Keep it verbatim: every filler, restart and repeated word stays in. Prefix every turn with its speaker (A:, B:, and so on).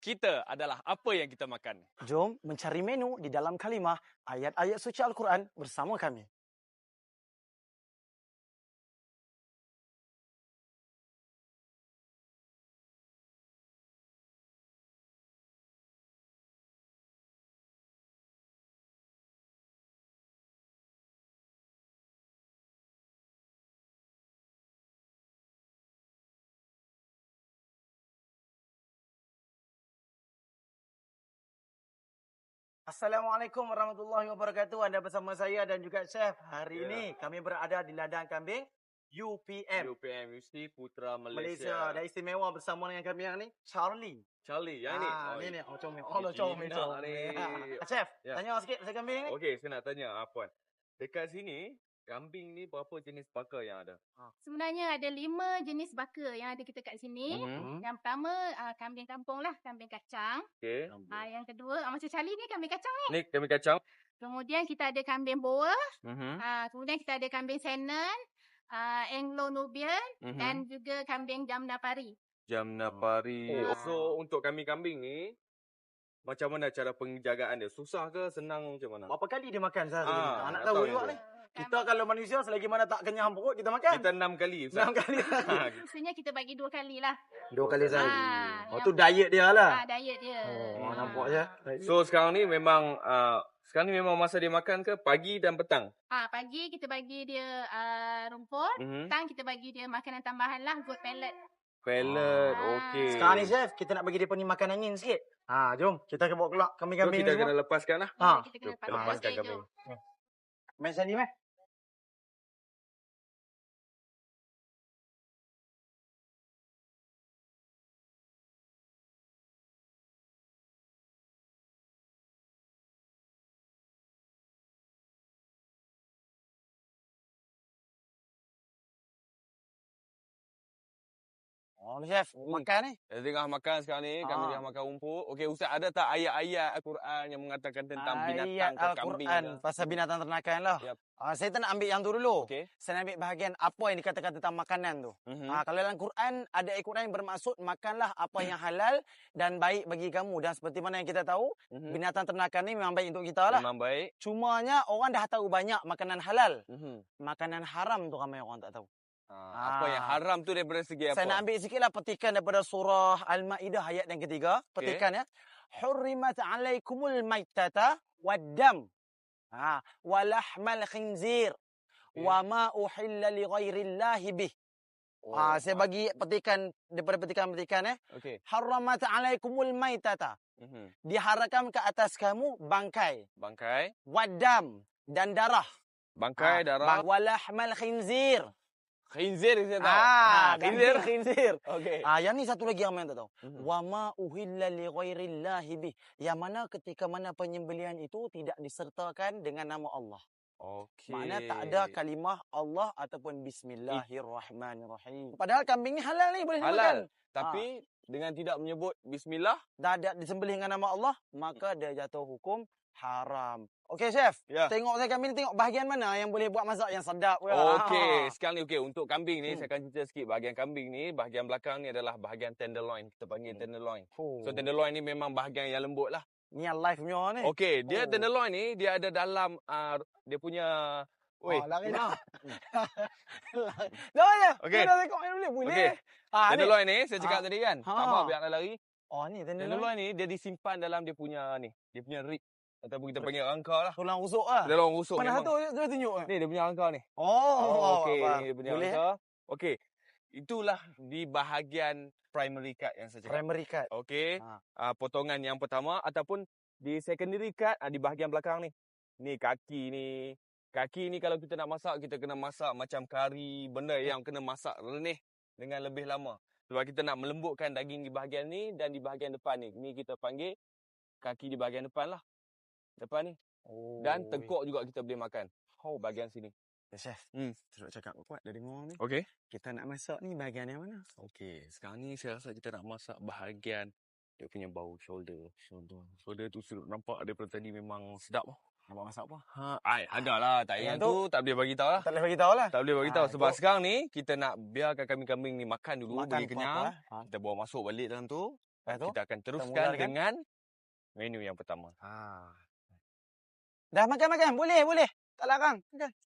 A: kita adalah apa yang kita makan.
B: Jom mencari menu di dalam kalimah ayat-ayat suci Al-Quran bersama kami. Assalamualaikum warahmatullahi wabarakatuh. Anda bersama saya dan juga Chef. Hari
A: Ya.
B: ini kami berada di ladang kambing U P M.
A: U P M Universiti Putra
B: Malaysia.
A: Malaysia.
B: Dan istimewa bersama dengan kami yang ni, Charlie.
A: Charlie, yang ni.
B: Ah,
A: Oh,
B: ni ni,
A: ini-
B: oh comel.
A: ini
B: Oh, lo comel,
A: Cina
B: comel.
A: ni.
B: Ah, Chef,
A: Ya.
B: tanya sikit pasal kambing ni.
A: Okey, saya nak tanya Puan. Dekat sini, kambing ni berapa jenis baka yang ada?
C: Sebenarnya ada lima jenis baka yang ada kita kat sini.
A: Mhm.
C: Yang pertama uh, kambing kampung lah, kambing kacang.
A: Okey.
C: Uh, yang kedua, uh, macam Charlie ni kambing kacang ni.
A: Ni kambing kacang.
C: Kemudian kita ada kambing boer.
A: Mhm.
C: Uh, kemudian kita ada kambing Shannon, uh, Anglo-Nubian
A: Mhm.
C: dan juga kambing Jamna Pari.
A: Jamna Pari.
C: Oh.
A: So, untuk kambing-kambing ni, macam mana cara penjagaan dia? Susah ke? Senang macam mana?
B: Berapa kali dia makan sehari?
A: Ah,
B: Ah, nak
A: nak
B: tahu
A: tahu
B: juga
A: juga.
B: ni. Kita kalau manusia selagi mana tak kenyang perut kita makan.
A: Kita enam kali. Ustaz.
B: enam kali.
A: Ha,
C: Maksudnya kita bagi dua kali lah.
B: Dua kali sehari.
C: Ah,
B: Oh
C: yang-
B: tu diet dia lah.
C: Ah, diet dia.
B: Oh,
C: Ah.
B: nampak je.
A: So, sekarang ni memang... Uh, sekarang ni memang masa dia makan ke pagi dan petang?
C: Ah, pagi kita bagi dia uh, rumput.
A: Mhm.
C: Petang kita bagi dia makanan tambahan lah, goat pellet.
A: Pellet,
C: Ah.
A: okey.
B: Sekarang ni chef, kita nak bagi dia ni makan angin sikit. Ha, jom kita bawa keluar
A: So,
B: kambing-kambing
A: kita
B: ni
A: kena
B: semua.
A: lepaskan lah.
B: Ha.
C: Kita kena
A: Jom,
C: pasang
A: lepaskan
C: okey,
A: kambing.
C: jom.
B: Main sini meh. Oh, ni chef,
A: Hmm.
B: makan ni.
A: Kita tengah makan sekarang ni, kami
B: Ah.
A: tengah makan rumput. Okey, Ustaz, ada tak ayat-ayat Al-Quran yang mengatakan tentang binatang
B: Ayat
A: ke kambing
B: Al-Quran
A: ke?
B: pasal binatang ternakan lah.
A: Yap.
B: Ah, saya tak nak ambil yang tu dulu.
A: Okey.
B: Saya nak ambil bahagian apa yang dikatakan tentang makanan tu.
A: Mhm.
B: Ah, kalau dalam Quran ada ayat Quran yang bermaksud makanlah apa yang halal dan baik bagi kamu. Dan seperti mana yang kita tahu,
A: Mhm.
B: binatang ternakan ni memang baik untuk kita lah.
A: Memang baik.
B: Cumanya orang dah tahu banyak makanan halal.
A: Mhm.
B: Makanan haram tu ramai orang tak tahu.
A: Ah, apa
B: Ah.
A: yang haram tu daripada segi apa?
B: Saya nak ambil sikitlah petikan daripada surah Al-Maidah ayat yang ketiga. Petikan ya. Hurrimat alaikumul maitata waddam. Ha, walahmal khinzir.
A: Okey.
B: Wa ma uhilla li ghairillahi bih.
A: Oh.
B: Ha, saya bagi petikan daripada petikan-petikan eh.
A: Okey.
B: Hurrimat alaikumul maitata.
A: Mhm.
B: Diharamkan ke atas kamu bangkai,
A: Bangkai,
B: waddam dan darah.
A: bangkai,
B: Ha,
A: darah,
B: bang- walahmal khinzir.
A: khinzir saya tahu.
B: Ah,
A: khinzir.
B: khinzir, khinzir.
A: Okey.
B: Ah, yang ni satu lagi yang main tak tahu.
A: Mhm.
B: Wa ma uhilla li ghairillahi bih. Yang mana ketika mana penyembelihan itu tidak disertakan dengan nama Allah.
A: Okey.
B: Maknanya tak ada kalimah Allah ataupun bismillahirrahmanirrahim. Padahal kambing ni halal ni boleh dimakan.
A: halal. Tapi dengan tidak menyebut bismillah.
B: Dah ada disembelih dengan nama Allah, maka dia jatuh hukum haram. Okey chef,
A: Ya.
B: tengok saya kambing ni tengok bahagian mana yang boleh buat masak yang sedap.
A: Okey, sekarang ni okey untuk kambing ni
B: Hmm.
A: saya akan cerita sikit bahagian kambing ni, bahagian belakang ni adalah bahagian tenderloin. Kita panggil tenderloin.
B: Oh.
A: So tenderloin ni memang bahagian yang lembut lah.
B: Ni yang live punya ni.
A: Okey, dia
B: Oh.
A: tenderloin ni dia ada dalam uh, dia punya Oi.
B: Oh, lari dah. Dah ya.
A: Okey.
B: Kita tengok yang boleh. Boleh.
A: Okey.
B: Ah, ni.
A: Tenderloin ni saya cakap
B: Ha.
A: tadi kan.
B: Ha.
A: Tak mau biar nak lari.
B: Oh, ni tenderloin.
A: Tenderloin ni dia disimpan dalam dia punya ni, dia punya rib ataupun kita panggil rangka lah.
B: Tulang rusuk ah.
A: Dia orang rusuk
B: Mana
A: memang.
B: satu dia tunjuk eh?
A: Ni dia punya rangka ni.
B: Oh,
A: okey,
B: faham.
A: ni dia punya
B: Boleh.
A: rangka. Okey. Itulah di bahagian primary cut yang saya cakap.
B: Primary cut.
A: Okey.
B: Ha.
A: Uh, potongan yang pertama ataupun di secondary cut uh, di bahagian belakang ni. Ni kaki ni. Kaki ni kalau kita nak masak, kita kena masak macam kari, benda yang kena masak renih dengan lebih lama. Sebab kita nak melembutkan daging di bahagian ni dan di bahagian depan ni. Ni kita panggil kaki di bahagian depan lah. Depan ni.
B: Oh.
A: Dan tengkok juga kita boleh makan. Oh, bahagian sini.
B: Ya, chef.
A: Hmm.
B: Terus cakap kuat dari dengar ni.
A: Okey.
B: Kita nak masak ni bahagian yang mana?
A: Okey, sekarang ni saya rasa kita nak masak bahagian dia punya bau shoulder. Shoulder. Shoulder tu sudah nampak daripada tadi memang sedap lah.
B: Nampak masak apa?
A: Ha, ai, ada lah. Tak
B: Yang
A: yang tu tak boleh bagi tahu lah.
B: Tak boleh bagi tahu lah.
A: Tak boleh bagi tahu
B: Ha,
A: sebab
B: itu-
A: sekarang ni kita nak biarkan kambing-kambing ni makan dulu,
B: Makan
A: bagi kenyang.
B: apa-apa, ha.
A: Kita bawa masuk balik dalam tu.
B: Lepas tu,
A: Kita akan teruskan
B: mulakan.
A: dengan menu yang pertama.
B: ha. Dah makan-makan? Boleh, boleh. Tak larang. Makan.